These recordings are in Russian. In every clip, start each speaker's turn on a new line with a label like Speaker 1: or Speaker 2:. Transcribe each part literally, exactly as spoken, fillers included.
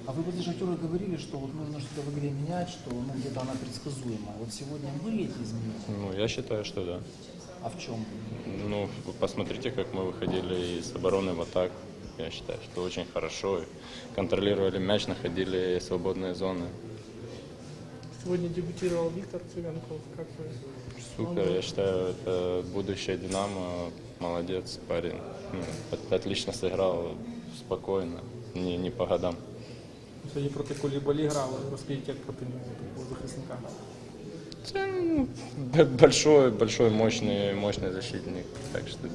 Speaker 1: А вы после Шахтера говорили, что вот нужно что-то в игре менять, что ну, где-то она предсказуемая. Вот сегодня были эти изменения?
Speaker 2: Ну, я считаю, что да.
Speaker 1: А в чем?
Speaker 2: Ну, вы посмотрите, как мы выходили из обороны в атаку. Я считаю, что очень хорошо. Контролировали мяч, находили свободные зоны.
Speaker 3: Сегодня дебютировал Виктор Цыганков. Как вы?
Speaker 2: Супер, я считаю, это будущее «Динамо». Молодец парень. Ну, отлично сыграл, спокойно, не, не по годам.
Speaker 3: Сьогодні проти Кулібалі грали. Розкажіть, як проти нього такого захисника?
Speaker 2: Это, ну, б- большой, большой, мощный, мощный защитник. Так что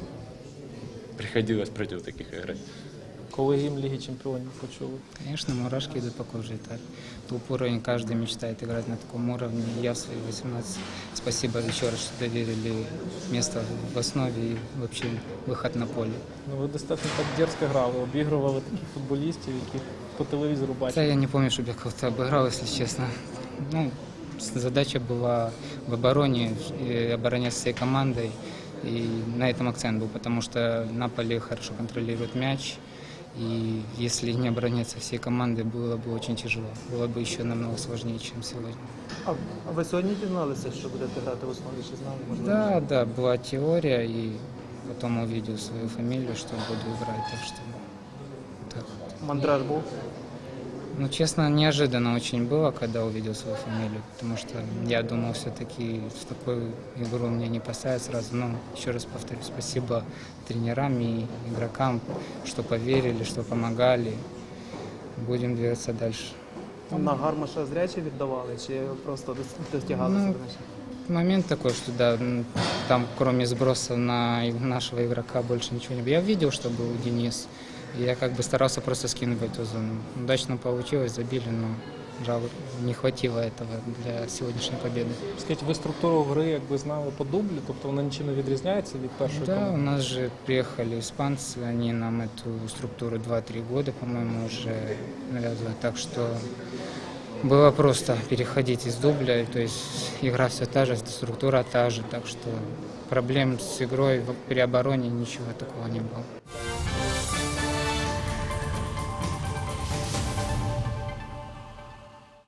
Speaker 2: приходилось против таких играть.
Speaker 3: Коли гімн Ліги Чемпіонів почули?
Speaker 4: Конечно, мурашки идут по коже. Это топ уровень, каждый мечтает играть на таком уровне. Я в свои восемнадцать, спасибо еще раз, что доверили место в основе и вообще выход на поле.
Speaker 3: Ну, ви достатньо так дерзко грали, обігрували таких футболістів, яких по телевізору
Speaker 4: Хотя
Speaker 3: бачили.
Speaker 4: я не помню, чтобы я кого-то обыграл, если честно. Ну, с- задача была в обороне, и обороняться всей командой. И на этом акцент был, потому что Наполе хорошо контролирует мяч. И если не обороняться всей командой, было бы очень тяжело. Было бы еще намного сложнее, чем сегодня.
Speaker 3: А ви сьогодні дізналися, що будете грати в основі, чи знали? Можливо?
Speaker 4: Да, да, была теория, и потом увидел свою фамилию, что буду играть, так что так.
Speaker 3: Мандраж був?
Speaker 4: Ну, честно, неожиданно очень было, когда увидел свою фамилию, потому что я думал, все-таки в такую игру меня не поставят сразу. Но еще раз повторю, спасибо тренерам и игрокам, что поверили, что помогали. Будем двигаться дальше.
Speaker 3: На Гармаша зряче віддавали, чи просто достягалися
Speaker 4: Ну,
Speaker 3: до м'яча?
Speaker 4: Момент такой, что да, м, там кроме сбросов на и- нашего игрока больше ничего не было. Я видел, что был Денис, и я как бы старался просто скинуть в эту зону. Удачно получилось, забили, но жалко, не хватило этого для сегодняшней победы.
Speaker 3: Скажіть, ви структуру гри якби знали по дублі, тобто вона нічим не відрізняється від першої
Speaker 4: Да, у
Speaker 3: команди?
Speaker 4: нас же приехали испанцы, они нам эту структуру два-три года, по-моему, уже навязывают, так что было просто переходить из дубля, то есть игра все та же, структура та же, так что проблем с игрой в- при обороне ничего такого не было.